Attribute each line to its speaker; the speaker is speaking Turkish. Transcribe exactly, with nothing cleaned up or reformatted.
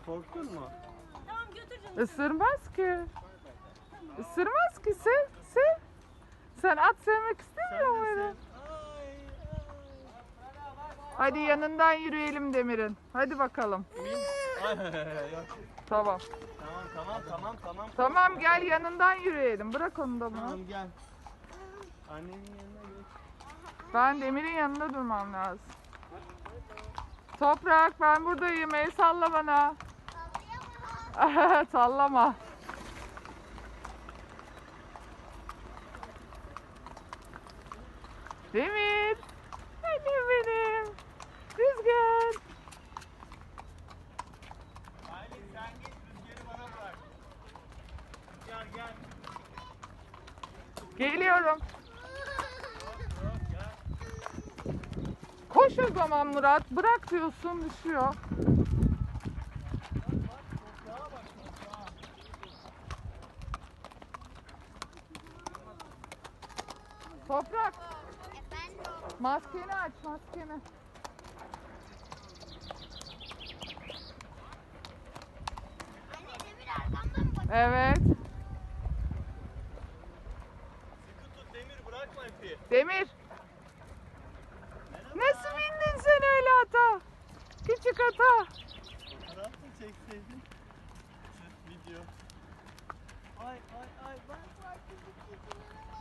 Speaker 1: Korktun mu?
Speaker 2: Tamam götür canım.
Speaker 3: Isırmaz ki. Isırmaz ki, sev, sev. Sen at sevmek istemiyor muydun? Hadi yanından yürüyelim Demir'in. Hadi bakalım. Tamam.
Speaker 1: Tamam tamam tamam tamam.
Speaker 3: Tamam gel yanından yürüyelim. Bırak onu da bana.
Speaker 1: Tamam gel. Annenin yanına geç.
Speaker 3: Ben Demir'in yanında durmam lazım. Toprak ben buradayım. El salla bana. Sallama. Demir. Annem benim. Rüzgar.
Speaker 1: Aylin sen git, rüzgarı bana bırak. Rüzgar gel.
Speaker 3: Geliyorum.
Speaker 1: Yok gel.
Speaker 3: Koş o zaman Murat. Bırak diyorsun düşüyor. Toprak. Maskeni aç maskeni.
Speaker 2: Anne Demir arkamdan mı bakıyor?
Speaker 3: Evet.
Speaker 1: Sıkı tut Demir, bırakma ipi.
Speaker 3: Demir. Nasıl bindin sen öyle ata? Küçük ata.
Speaker 1: Fotoğraf mı çekseydin? Sırf video. Ay ay ay bak bak.